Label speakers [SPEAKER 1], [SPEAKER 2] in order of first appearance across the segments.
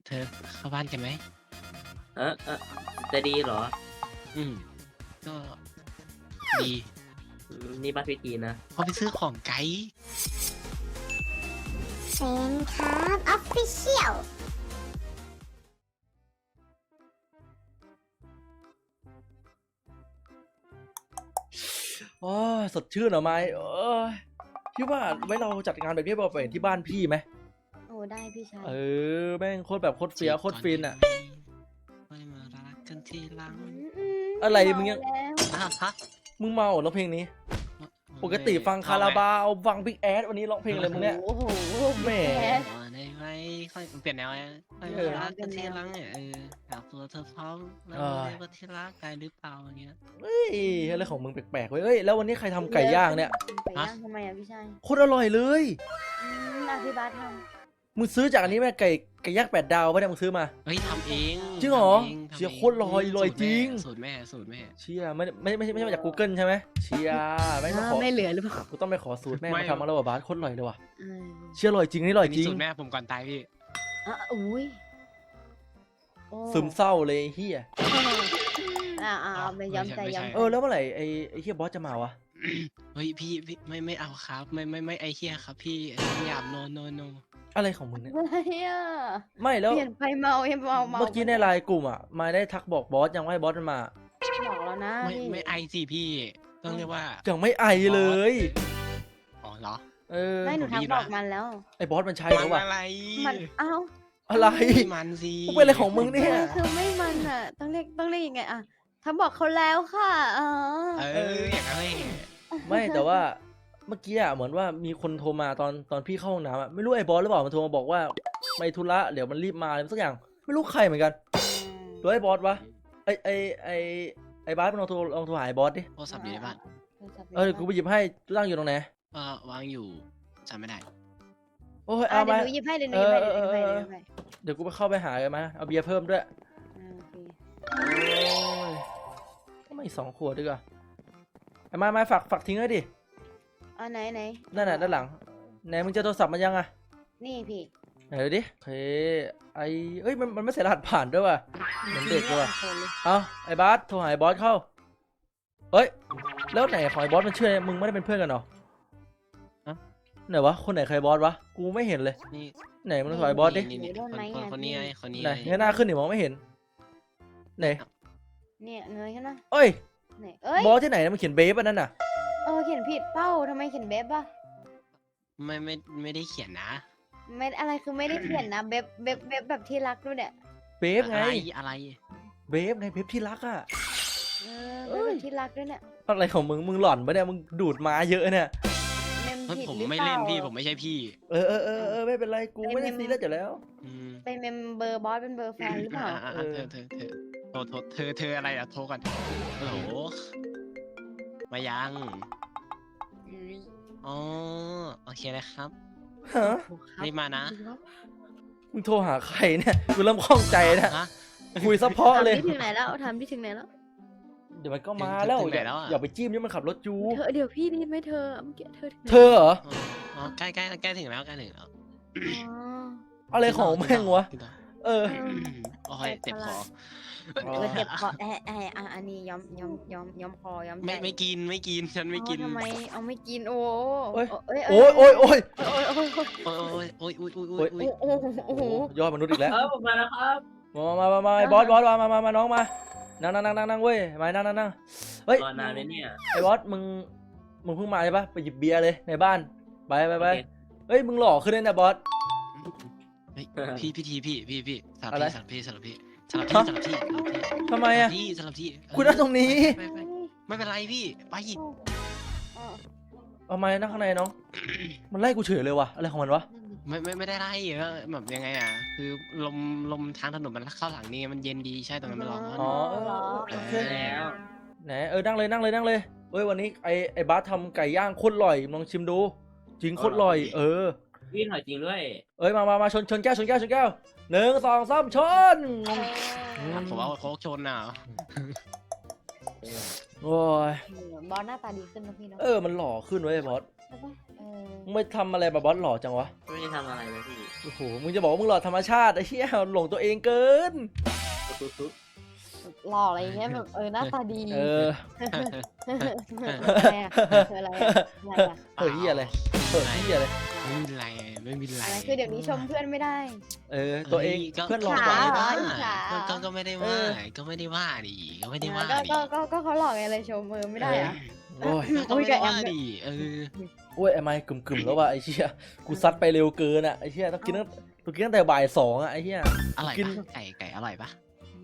[SPEAKER 1] เธอเข้าบ้านกันไหม
[SPEAKER 2] เออจะดีเหรอ
[SPEAKER 1] อืมก็ดี
[SPEAKER 2] นี่บัตรพิธีนะ
[SPEAKER 1] เขาไปซื้อของไกด์
[SPEAKER 3] เซนครับออฟฟิเชียล
[SPEAKER 4] โอ้ยสดชื่นเหรอไม้พี่ว่าไว้เราจัดงานแบบนี้ไปที่บ้านพี่ไหม
[SPEAKER 3] โอ้ได้พี่ชาย
[SPEAKER 4] แม่งโคตรแบบโคตรเฟี้ยวโคตรฟินอ่ะ
[SPEAKER 1] ไม่มารักกันทีหลัง
[SPEAKER 4] อะไรมึงยัง
[SPEAKER 1] ฮะ
[SPEAKER 4] มึงเมาเหรอเพลงนี้ปกติฟังคาราบาวฟังบิ๊กแอดวันนี้ร้องเพลงอะไรมึงเนี่ย
[SPEAKER 3] โอ้โห
[SPEAKER 4] แหม
[SPEAKER 1] ได้ไหมค่อยเปลี่ยนแนวไม่มารักกันทีหลังเนี่ยอยากตัวเธอพร้อมแล้วเรียกว่าที่รักได้หรือเปล่าอย่างเงี้ย
[SPEAKER 4] เฮ้ยอะไรของมึงแปลกๆเว้ยเอ้ยแล้ววันนี้ใครทำไก่ย่างเนี่ย
[SPEAKER 3] ไก่ย่างทำไมอ่ะพี่ชาย
[SPEAKER 4] โคตรอร่อยเลย
[SPEAKER 3] พี่บาสทำ
[SPEAKER 4] มึงซื้อจากอันนี้ไหมไก่ย่าง8 ดาวปะเนี่ยมึงซื้อมา
[SPEAKER 1] เฮ้ยทำเอง
[SPEAKER 4] จริงเหรอเชียร์โคตรลอยจริง
[SPEAKER 1] สูตรแม่
[SPEAKER 4] เชียร์ไม่ใช่มาจาก Google ใช่ไหมเชียร์ไม่มาขอ
[SPEAKER 3] ไม่เหลือหรือเปล่า
[SPEAKER 4] กูต้องไปขอสูตรแม่มาทำมาแล้วว่ะบาสโคตรลอยเลยว่ะเชียร์ลอยจริงนี่ลอยจริง
[SPEAKER 1] สูตรแม่ผมก่อนตายพี่
[SPEAKER 3] อุ้ย
[SPEAKER 4] ซึมเศร้าเลยเฮีย
[SPEAKER 3] ไม่ย้ำใจย้
[SPEAKER 4] ำแล้วเมื่อไหร่ไอ้เฮียบอสจะมาวะ
[SPEAKER 1] เฮ้ยพี่ไม่เอาครับไม่ไอเฮียครับพี่หยาบโน
[SPEAKER 4] อะไรของมึงเนี่ย
[SPEAKER 3] ไม่
[SPEAKER 4] แล้ว
[SPEAKER 3] เปลี่ยนไปเมา
[SPEAKER 4] เมื่อกี้ในไลน์กลุ่มอ่ะมาได้ทักบอกบอสยังว่าให้บอสมันมา
[SPEAKER 3] บอกแล้วนะ
[SPEAKER 1] ไม่ไอสิพี่ต้องเรียกว่า
[SPEAKER 4] ยังไม่ไอเลย
[SPEAKER 1] อ๋อเหรอ
[SPEAKER 3] ไม่หนูทักบอกมันแล้ว
[SPEAKER 4] ไอ้บอสมันใช่หรือเปล่า
[SPEAKER 3] มัน
[SPEAKER 4] อะไร
[SPEAKER 1] มันสิ
[SPEAKER 4] มึงเป็นอะไรของมึงเนี่ย
[SPEAKER 3] คือไม่มันอ่ะต้องเรียกยังไงอ่ะทักบอกเขาแล้วค่ะ
[SPEAKER 1] อย่างไร
[SPEAKER 4] ไม่แต่ว่าเมื่อกี้อะเหมือนว่ามีคนโทรมาตอนพี่เข้าห้องน้ำอะไม่รู้ไอ้บอสหรือเปล่ามันโทรมาบอกว่าไปธุระเดี๋ยวมันรีบมาอะไรสักอย่างไม่รู้ใครเหมือนกันหรือไอ้บอสวะไอ้บอสมันลองโทรหาไอ้บอสดิ
[SPEAKER 1] โทรศัพท์อยู่ในบ้าน
[SPEAKER 4] กูไปหยิบให้ตั้งอยู่ตรงไหน
[SPEAKER 1] วางอยู่จำไม่ได้
[SPEAKER 4] โอ้ยเอามา
[SPEAKER 3] เดี๋ยวหนูหยิบให้เ
[SPEAKER 4] ดี๋ยวกูไปเข้าไปหาเลยมาเอาเบียร์เพิ่มด้วยก็ไม่2 ขวดดีกว่าไอ้มาฝากทิ้งไว้ดิ
[SPEAKER 3] ไหน
[SPEAKER 4] นั่นน่ะด้านหลังไหนมึงจะโทรศัพท์มันยังอะ
[SPEAKER 3] นี่พี่
[SPEAKER 4] ไหนดูดิเฮ้ยมันไม่ใส่รหัสผ่านด้วยว่ะเหมือนเด็กเลยว่ะไอ้บอสโทรหาไอ้บอสเข้าเฮ้ยแล้วไหนของไอ้บอสมันเชื่อมึงไม่ได้เป็นเพื่อนกันหรอไหนวะคนไหนใครบอสวะกูไม่เห็นเลยไหนมึงโทรหาไอ้บอสดิ
[SPEAKER 1] คนนี้
[SPEAKER 4] ไหนเงยหน้าขึ้นหนิมองไม่เห็นไหน
[SPEAKER 3] เนี่ยเงยขึ้นนะ
[SPEAKER 4] เอ้ยบอสที่ไหนมันเขียนเบฟอันนั้นน่ะ
[SPEAKER 3] เขียนผิดเป้าทำไมเขียนเบฟป่ะ
[SPEAKER 1] ไม่ได้เขียนนะ
[SPEAKER 3] ไม่อะไรคือไม่ได้เขียนนะเบฟแบบที่รักด้วยเนี่ย
[SPEAKER 4] เบฟไง
[SPEAKER 1] อะไร
[SPEAKER 4] เบฟไงเบฟที่รักอ่ะ
[SPEAKER 3] เบฟที่รักด้วยเนี่ย
[SPEAKER 4] อะไรของมึงหล่อนปะเนี่ยมึงดูดมาเยอะเนี่ย
[SPEAKER 1] ผมไม่เล่นพี่ผมไม่ใช่พี่
[SPEAKER 4] ไม่เป็นไรกูไม่ได้ซีเรียสอยู่แล้ว
[SPEAKER 3] เป็นเมมเบอร์บอสเป็นเบอร์แฟนหรือเปล่า
[SPEAKER 1] เธออะไรอะโทรกันโหลมายังอ๋อโอเคนะครับรีบมานะ
[SPEAKER 4] มึงโทรหาใครเนี่ยกูเริ่มคล่องใจนะคุยซัพพอร์ตเลย
[SPEAKER 3] ถามที่ถึงไหนแล้ว
[SPEAKER 4] เดี๋ยวมันก็มาแล้วอย่าไปจิ้มนี่มันขับรถจู
[SPEAKER 3] เดี๋ยวพี่นี่ไม่เธอ
[SPEAKER 4] เหรอ
[SPEAKER 1] ใกล้ถึงแล้ว
[SPEAKER 4] อะไรของแม่งวะ
[SPEAKER 1] โอ้ยเจ็บคอ
[SPEAKER 3] อันนี้ย้อมคอย้อม
[SPEAKER 1] ไม่กินฉันไม่กิน
[SPEAKER 3] ทำไมเอาไม่กินโอ้
[SPEAKER 4] ยอดมนุษย์อีกแล้ว
[SPEAKER 2] ผมมาแล้วครับ
[SPEAKER 4] มาไอ้บอสมาน้องมานั่งเว้ยมานั่งเฮ้ย
[SPEAKER 2] นานเลยเนี่ย
[SPEAKER 4] ไอ้บอสมึงเพิ่งมาใช่ปะไปหยิบเบียร์เลยในบ้านไปเฮ้ยมึงหล่อขึ้นเลยนะบอส
[SPEAKER 1] พี่สลับพี่
[SPEAKER 4] ทำไมอะ
[SPEAKER 1] สลับที่
[SPEAKER 4] คุณนั่งตรงนี้
[SPEAKER 1] ไม่เป็นไรพี่ไป
[SPEAKER 4] เอาไม้นั่งข้างในน้องมันไล่กูเฉยเลยว่ะอะไรของมันวะ
[SPEAKER 1] ไม่ได้ไล่แบบยังไงอ่ะคือลมทางถนนมันเข้าหลังนี่มันเย็นดีใช่ตรงนั้นมันร้อน
[SPEAKER 4] โอเคแล้วไหนนั่งเลยเฮ้ยวันนี้ไอ้บาสทำไก่ย่างโคตรอร่อยลองชิมดูจริงโคตรอร่อย
[SPEAKER 2] พี่หน่อยจริงด้วย
[SPEAKER 4] มาชนแก้ว1 2 3ชน
[SPEAKER 1] ผมเอาโค้กชนน่ะ
[SPEAKER 4] โอ้ย
[SPEAKER 3] บอสหน้าตาดีขึ้นนะพี่เนาะ
[SPEAKER 4] มันหล่อขึ้นเว้ยบอส
[SPEAKER 3] ใช่ปะ
[SPEAKER 4] มึงไปทำอะไรแบบบอสหล่อจังวะ
[SPEAKER 2] ไม่ได้ทำอะไรนะพี่
[SPEAKER 4] โอ้โหมึงจะบอกว่ามึงหล่อธรรมชาติไอ้เหี้ยหลงตัวเองเกิน
[SPEAKER 2] ตุ๊บ
[SPEAKER 3] หล่ออะไรอย่างเงี้ยแบบหน้าตาดี
[SPEAKER 4] เออ
[SPEAKER 3] อะไรอะอะไรอะอะไรอะ
[SPEAKER 4] เฮ้ยเหี้ยอะไรเฮ้ยเหี้ยอะไร
[SPEAKER 1] ไม่มีไรไม่มีไร
[SPEAKER 3] อะไรคือเดี๋ยวนี้ชมเพื่อนไม่ได้
[SPEAKER 4] เออตัวเอง
[SPEAKER 1] ก็
[SPEAKER 4] เพื่อนหล่อ
[SPEAKER 3] ข
[SPEAKER 4] กว่า
[SPEAKER 3] เหรอ
[SPEAKER 1] ก็ไม่ได้ว่าก็ไม่ได้ว่าดิก็ไม่ได้ว่าดิ
[SPEAKER 3] ก็เขาหล่อไงเลยชมไม่ได้อะ
[SPEAKER 4] โอ้ย
[SPEAKER 1] ก็ไม่ได้ว่าดิ
[SPEAKER 4] โอ้ยไอ้ไม้กึ่มๆแล้วว่ะไอ้เหี้ยกูซัดไปเร็วเกินอ่ะไอ้เหี้ยต้องกินตั้งแต่บ่าย2อ่ะไอ้เหี้ย
[SPEAKER 1] อร่อย
[SPEAKER 4] กิน
[SPEAKER 1] ปะไก่อร่อยปะ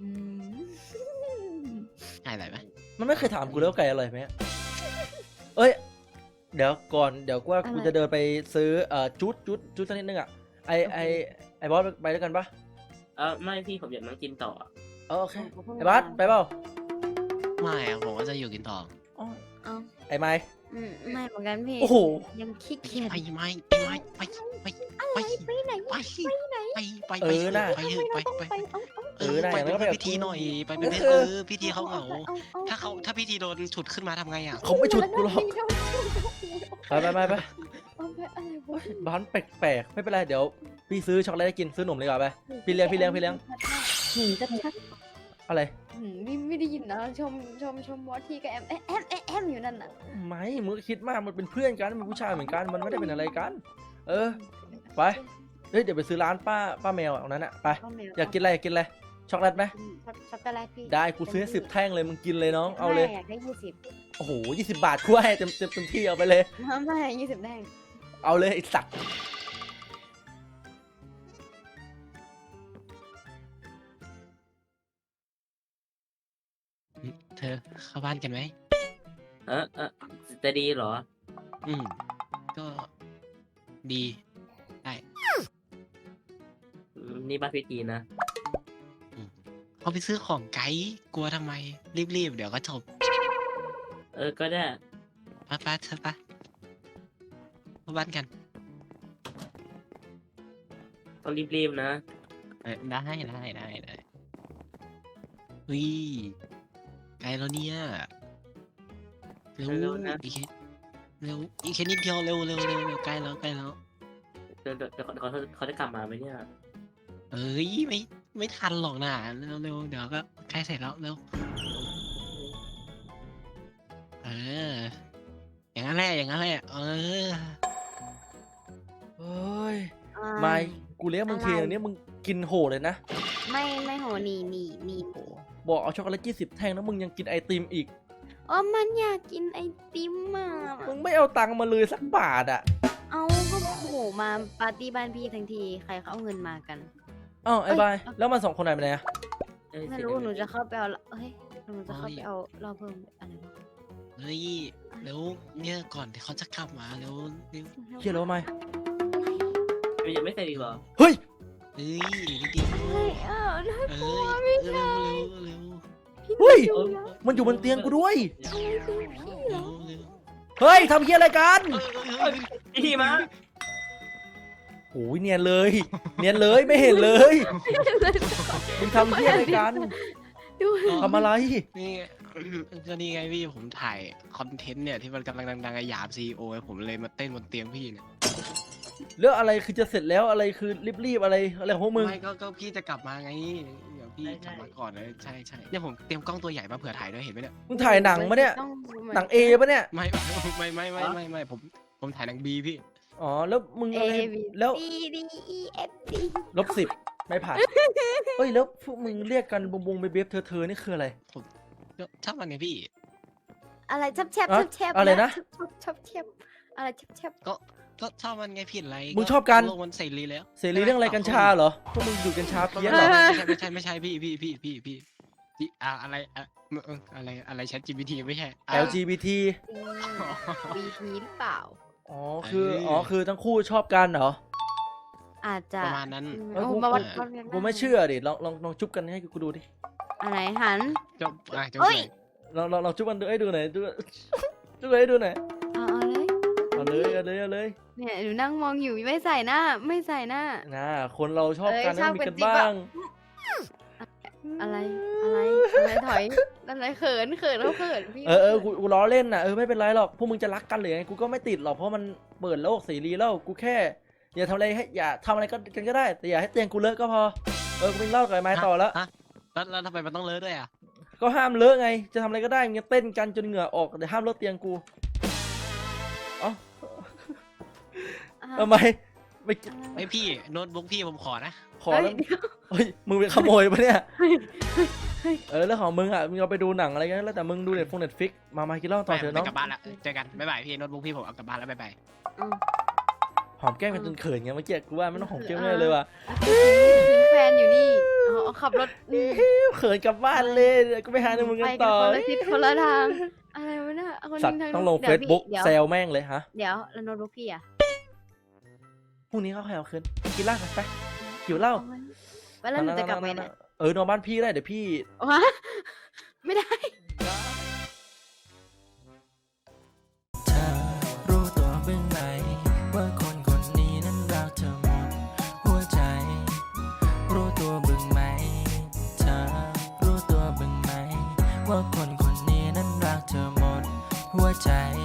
[SPEAKER 1] ไก่อร่อยปะ
[SPEAKER 4] มันไม่เคยถามกูแล้วาไก่อร่อยไหมเอ้ยเดี๋ยวก่อนเดี๋ยวว่ากูจะเดินไปซื้อจุดสักนิดนึงอ่ะไอ้บอสไปด้วยกันปะ
[SPEAKER 2] ไม่พี่ผมอยากนั่งกินต่อ
[SPEAKER 4] โอเคไอ้บอสไปเปล่า
[SPEAKER 1] ไม่ผมก็จะอยู่กินต่อ
[SPEAKER 4] ไอ้ไม้
[SPEAKER 3] ไม่เหมือนกันพี่
[SPEAKER 4] โอ้โห
[SPEAKER 3] ยังขี้เกียจ
[SPEAKER 1] ไปไหน
[SPEAKER 3] ไปไหน
[SPEAKER 1] ไปพิธีหน่อยไปเป็นพิธีเขาเหงาถ้าพิธีโดนฉุดขึ้นมาทำไงอ่ะ
[SPEAKER 4] เขาไม่ฉุดกูหรอกไป
[SPEAKER 3] อะไรวะ
[SPEAKER 4] บ้านแปลกๆไม่เป็นไรเดี๋ยวพี่ซื้อช็อกโกแลตให้กินซื้อหนมดีกว่าไปพี่เลี้ยง
[SPEAKER 3] หืมจะชัก
[SPEAKER 4] อะไร
[SPEAKER 3] ไม่ได้ยินนะชมวอทีกับแอมอยู่นั่นน่ะ
[SPEAKER 4] ไม่มึงก็คิดมากมันเป็นเพื่อนกันมันเป็นผู้ชายเหมือนกันมันไม่ได้เป็นอะไรกัน ไปเฮ้ยเดี๋ยวไปซื้อร้านป้าแมวตรงนั้นอะไปอยากกินอะไรช็อกโกแลตไหม
[SPEAKER 3] ช็อกโกแลตพี่
[SPEAKER 4] ได้กูซื้อให้10 แท่งเลยมึงกินเลยน้องเอาเลย
[SPEAKER 3] อยากได้20
[SPEAKER 4] โอ้โห20 บาทกูให้เต็มที่เอาไปเลย
[SPEAKER 3] ไม่20แดง
[SPEAKER 4] เอาเลยไอ้สัตว์
[SPEAKER 1] เธอเข้าบ้านกันไหม
[SPEAKER 2] จะดีเหรอ
[SPEAKER 1] ก็ดี
[SPEAKER 2] นี่บ้านพิธีนะ
[SPEAKER 1] เขาไปซื้อของไกด์กลัวทำไมรีบเดี๋ยวก็จบ
[SPEAKER 2] ก็ได้
[SPEAKER 1] ไปเธอไปเข้าบ้านกัน
[SPEAKER 2] ต้องรีบๆนะ
[SPEAKER 1] ได้วิไกลแล้วเนี่ยเร็ว
[SPEAKER 2] เร็วนะ
[SPEAKER 1] อีกแค่นิดเดียวเร็วใกล้แล้ว
[SPEAKER 2] เดี๋ยวเขาจะกลับมาไหมเนี่ย
[SPEAKER 1] เอ้ยไม่ทันหรอกนะเร็วเดี๋ยวก็ใกล้เสร็จแล้วเร็วอย่างนั้นแหละ
[SPEAKER 4] เฮ้ยไม่กูเลี้ยงมึงทีนึงเนี่ยมึงกินโหเลยนะ
[SPEAKER 3] ไม่โหนี่
[SPEAKER 4] บอกเอาช็อกโกแลต20 แท่งแล้วมึงยังกินไอติมอีก
[SPEAKER 3] มันอยากกินไอติมอ่ะ
[SPEAKER 4] มึงไม่เอาตังค์มาเลยสักบาทอ่ะ
[SPEAKER 3] เอาก็โหมาปาร์ตี้บ้านพี่ทั้งทีใครเขาเอาเงินมากัน
[SPEAKER 4] อ้าวไอ้บายแล้วมัน2 คนไหนไปไหนอะ
[SPEAKER 3] ไม่รู้หนูจะเข้าไปเอาหนูจะเข้าไปเอารอเพิ่มอะไรวะ
[SPEAKER 1] เฮ้ยแล้วเนี่ยก่อนที่เขาจะกลับมาเร็ว
[SPEAKER 4] เชี่ยแล้วว่าไม่
[SPEAKER 2] ยังไม่เสร็จอีกเหรอ
[SPEAKER 4] เฮ้ย
[SPEAKER 1] นิดเดียวเร็ว
[SPEAKER 4] เฮ้ยมันอยู่บนเตียงกูด้วย เฮ้ยทำเหี้ยอะไรกัน
[SPEAKER 2] พี่มา
[SPEAKER 4] โอ้ยเนียนเลยไม่เห็นเลยมึงทำเหี้ยอะไรกันทำอะไร
[SPEAKER 1] นี่ก็นี่ไงพี่ผมถ่ายคอนเทนต์เนี่ยที่มันกำลังดังๆหยาบซีโอผมเลยมาเต้นบนเตียงพี่เนี่ย
[SPEAKER 4] เรื่องอะไรคือจะเสร็จแล้วอะไรคือรีบอะไรของพวกมึง
[SPEAKER 1] ไม่ก็พี่จะกลับมาไงเดี๋ยวพี่กลับมาก่อนเลยใช่เนี่ยผมเตรียมกล้องตัวใหญ่มาเผื่อถ่ายด้วยเห็นไหมเนี่ย
[SPEAKER 4] มึงถ่ายหนังปะเนี่ยหนัง A ปะเนี่ย
[SPEAKER 1] ไม่ผมถ่ายหนัง B พี่
[SPEAKER 4] อ๋อแล้วมึงอะไรแล้ว -10ไม่ผ่านเฮ้ยแล้วพวกมึงเรียกกันบงเบบเธอนี่คืออะไร
[SPEAKER 1] ก็ชอบมันไงพี่
[SPEAKER 3] อะไรแชบ
[SPEAKER 4] อะไรนะ
[SPEAKER 3] อะไรแชบ
[SPEAKER 1] ก็ชอบมันไงผิดอะไร
[SPEAKER 4] มึงชอบกัน
[SPEAKER 1] โลกมันเสรีแล้ว
[SPEAKER 4] เสรีเรื่องอะไรกัญชาเหรอพวกมึงดูดกัญชาเพี้ยนเหรอ
[SPEAKER 1] ไม่ใช่พี่อะไรแชท GPT ไม่ใช่
[SPEAKER 4] LGBT
[SPEAKER 3] BT หรือเปล่า
[SPEAKER 4] อ๋อคือทั้งคู่ชอบกันเหรอ
[SPEAKER 3] อาจจะ
[SPEAKER 1] ประมาณนั้น
[SPEAKER 3] มาวัด
[SPEAKER 4] กูไม่เชื่อดิลองจุ๊บกันให้กูดูดิ
[SPEAKER 3] อะไรหัน
[SPEAKER 1] จบ
[SPEAKER 3] เฮ้ย
[SPEAKER 4] ลองจุ๊บกันดูให้ดูหน่อยจุ๊บให้ดูหน่อย
[SPEAKER 3] เอาเลย
[SPEAKER 4] เอาเลย
[SPEAKER 3] เนี่ยหนูนั่งมองอยู่ไม่ใส่หน้า
[SPEAKER 4] นะคนเราชอบกัน
[SPEAKER 3] ชอบ
[SPEAKER 4] มี
[SPEAKER 3] กั
[SPEAKER 4] กัน น
[SPEAKER 3] จริง
[SPEAKER 4] บ้าง
[SPEAKER 3] ปะอะไรถอยอะไรเขินแล้วเขินพี่
[SPEAKER 4] กูล้อเล่นน่ะไม่เป็นไรหรอกพวกมึงจะรักกันหรือไงกูก็ไม่ติดหรอกเพราะมันเปิดโลกเสรีแล้วกูแค่อย่าทำอะไรกันก็ได้แต่อย่าให้เตียงกูเลอะก็พอกูไปเล่ากับไอ้ไม้ต่อแล้ว
[SPEAKER 1] ฮะแล้วทำไมมันต้องเลอะด้วยอ่ะ
[SPEAKER 4] ก็ห้ามเลอะไงจะทำอะไรก็ได้มึงจะเต้นกันจนเหงื่อออกแต่ห้ามเลอะเตียงกูเอ้าทำไมไม่
[SPEAKER 1] ไอพี่โน้ตบุ๊กพี่ผมขอนะ
[SPEAKER 4] ขอแล้วเฮ้ยมึงไปขโมยปะเนี่ยเรื่องของมึงอ่ะมึงเอาไปดูหนังอะไรกันแล้วแต่มึงดูเน็ตฟิกมากินเหล้าต่อเถอะน้อง
[SPEAKER 1] กลับบ้านละเจอกันบ๊ายบายพี่โน้ตบุ๊กพี่ผมเอากลับบ้านแล้วบ๊ายบาย
[SPEAKER 4] หอมแก้มกันจนเขินไงเมื่อกี้กูว่าไม่ต้องหอมแก้มเลยว่ะ
[SPEAKER 3] แฟนอยู่นี่ขับรถ
[SPEAKER 4] เขินกลับบ้านเลยกูไปหาในมึงกันต่อ
[SPEAKER 3] คนละทิศคนละทางอะไรวะเนี่ย
[SPEAKER 4] สัตว์ต้องลง Facebook แซวแม่งเลยฮะ
[SPEAKER 3] เดี๋ยวแล้วโน้ตบุ๊กพี่อ่ะ
[SPEAKER 4] พรุ่งนี้เขาให้เอาคืนกินเหล้ากันไปหิวเหล้า
[SPEAKER 3] แล้วหนูจะกลับไปไหน
[SPEAKER 4] นอนบ้านพี่ได้เดี๋ยวพี่
[SPEAKER 3] วะไม่ได้
[SPEAKER 5] เธอรู้ตัวบ้างไหมว่าคนคนนี้นั้นรักเธอหมดหัวใจ รู้ตัวบ้างไหมเธอรู้ตัวบ้างไหมว่าคนคนนี้นั้นรักเธอหมดหัวใจ